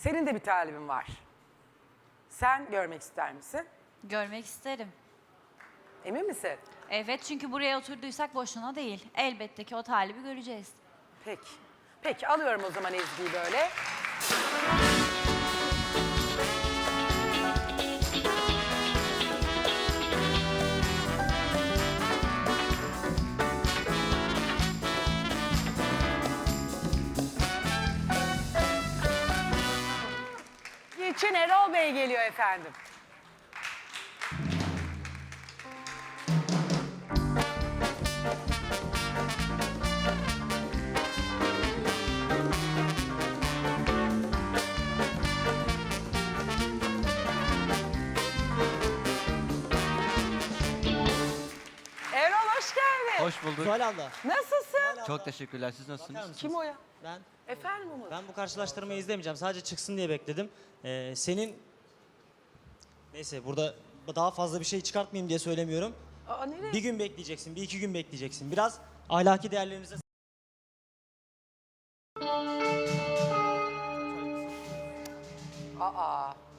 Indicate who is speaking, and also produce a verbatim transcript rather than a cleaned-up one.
Speaker 1: Senin de bir talibin var. Sen görmek ister misin?
Speaker 2: Görmek isterim.
Speaker 1: Emin misin?
Speaker 2: Evet, çünkü buraya oturduysak boşuna değil. Elbette ki o talibi göreceğiz.
Speaker 1: Peki. Peki alıyorum o zaman Ezgi'yi böyle. için Erol Bey geliyor efendim. Erol hoş geldin.
Speaker 3: Hoş bulduk.
Speaker 4: Zuhal abla.
Speaker 1: Nasılsın?
Speaker 3: Çok teşekkürler. Siz nasılsınız?
Speaker 4: Bakar mısınız?
Speaker 1: Kim o ya?
Speaker 4: Ben
Speaker 1: Efendim Umut?
Speaker 4: ben bu karşılaştırmayı izlemeyeceğim. Sadece çıksın diye bekledim. Ee, senin neyse burada daha fazla bir şey çıkartmayayım diye söylemiyorum.
Speaker 1: Aa, nereye?
Speaker 4: Bir gün bekleyeceksin, bir iki gün bekleyeceksin. Biraz ahlaki değerlerimize...
Speaker 1: Aa.